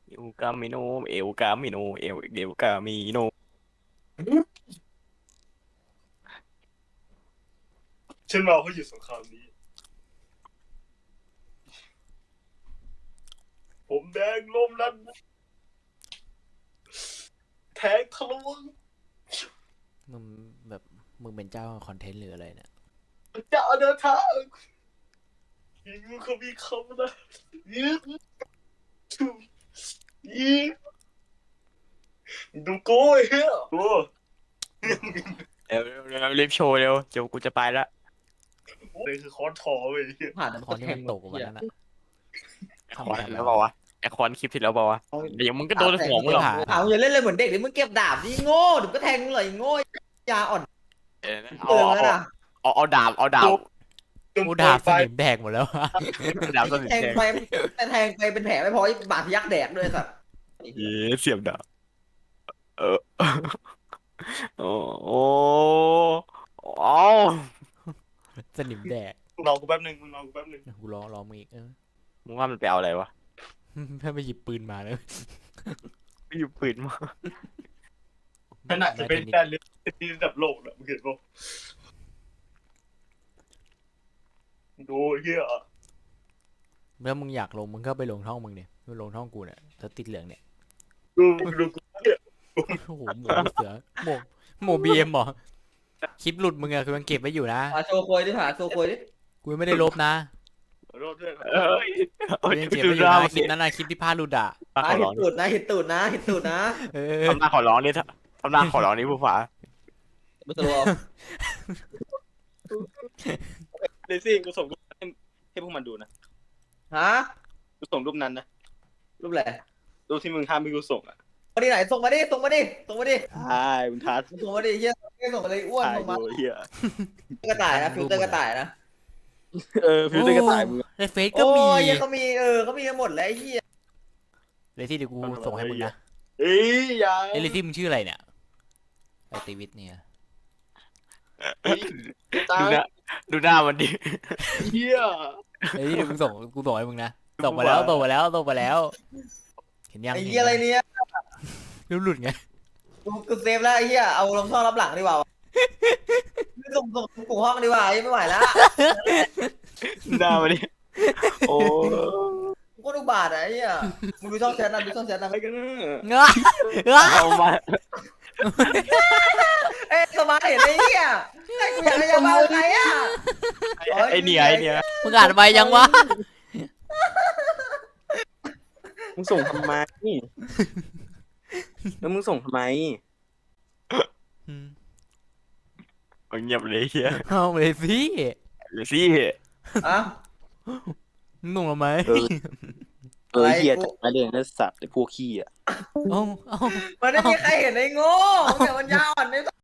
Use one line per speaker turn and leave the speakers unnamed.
เอวกามิโนเอวกามิโนเอวกามิโน
ฉันมาเพราะหยุดสงครามนี้ผมแดงลมนั้นแทงทะลวง
มึงแบบมึงเป็นเจ้าคอนเทนต์หรืออะไรเนี่ย
จะเดินทางยิงเขามีคำนะยิงยิงดูโก้เฮียโอ้
เร็วรีบโชว์เร็วเดี๋ยวกูจะไปละ
นี่คือคอนทอเว้ย
ผ่าน
คอนที่มันตกวันนั้นอะ
ไอคอนแล้วเปล่าวะไอคอนคลิปที่แล้วเปล่าวะเดี๋ยวมึงก็โดนหัวมึงหรอก
เอาอย่าเล่นเลยเหมือนเด็กเดี๋ยวมึงเก็บดาบดิโง่เดี๋ยวก็แทงมึงเลยโง่ยาอ่อน
เอา
เตือนแล้วนะ
เอาดาบเอาดาบ
กูด่าสนิมแดกหมดแล้วอะ
ดาบสนิท
แทง
แดง
ไปแทงไปเป็นแผลไม่พอบาดทะยักแดกด้วยสัตว์
เย้เสียบดาบเออโอ้โอ้เอา
สนิมแดก
มึงรอกูแป๊บนึงมึงรอกูแป๊บนึง
กูรอมึงอีก
มึงว่ามันไปเอาอะไรวะ
ถ้าไปหยิบปืนมาเลย
ไม่อยู่ปืนมา
ขนาดจะเป็นการเล่นที่ระดับโลกนะมึงเห็นป่ะดูเฮีย
เมื่อมึงอยากลงมึงก็ไปลงช่องมึงเนี่ยมึงลงช่องกูเนี่ยถ้าติดเหลืองเนี่ย
ดูกูเนี่ย
โอ้โหหมูเสือหมูบีเอ็มหรอคลิปหลุดมึงอะคือมันเก็บไว้อยู่นะ
หาโชว์โคยดิหาโชว์โคยดิ
กูยังไม่ได้ลบนะ
ขอโทษด้วย
เอ้ย
กูยังเก็บไว้อยู่นะคลิปนั้นนะคลิปที่พลาดหลุดอะ
ขอ
เห็
ร้อน ง
ตูดนะเห็นตูดนะเห็นตูดนะ
เออ
ทำหน้าขอร้องนี่ทำหน้าขอร้องนี่ผู้ฝา
ไม่ตัว
เลซี่กูส่งรูปให้พวกมันดูนะ
ฮะ
กูส่งรูปนั้นนะ
รูปแหละ
รูปที่มึงห้ามไม่กูส่งอ่ะ
มาดิไหนส่งมาดิส่งมาดิส่งมาดิ
ใช่มึงทัด
ส่งมาดิเฮียส่งมาเลยอ้วน
ถ่าย
ส่งมา
ดูเฮีย
กระต่ายนะฟิลเตอร์กระต่ายนะ
ฟิลเตอร์กระต่ายมึง
ในเฟซก็มี
โอ้ยเหี้ยเขามีเขามีกันหมดแล้วไอ้เหี้ย
เลยที่เดี๋ยวกูส่งให้มึงนะ
เอ้ยอย่า
เอ้ยเลยที่มึงชื่ออะไรเนี่ยไอติวิทเนี่ย
ตา
ดูหน้ามันดิ
เฮีย
เฮ้ยเดี๋ยวกูส่งให้มึงนะส่งมาแล้วส่งมาแล้ว เห็นยัง
ไอ้เหี้ยอะไรเนี่ย
รูปหลุดไง
กูเซฟแล้วไอ้เหี้ยเอาลงช่องรับหลังดีกว่าส่งกูห้องดีกว่าไม่ไหวแล้ว
หน้ามันดิโอ้
กูก็ดูบาดไอ้เหี้ยมึงดูช่องแชทนะดูช่องแชทนะ
อะไรกันนะ
เงาะ
เอามา
เอ้ยสมาร์ทเห็นไอ้เหี้ยไอ้กูอยากจะมาใครอ่ะ
ไอเนี่ยไอเนี่ย
มึงอ่านไปยังวะ
มึงส่งทำไมแล้วมึงส่งทำไม
มันเงียบเลยเฮีย
เอาเลยสิ
เลยสิ
อ่ะ
มึงหนุ่มทำไม
เฮียจัดมาเรียนนักสัตว์ไอ้พวกขี้อ่ะ
เอา
มันไม่มีใครเห็นไอ้โง่แต่มันยาวอ่อนไอ้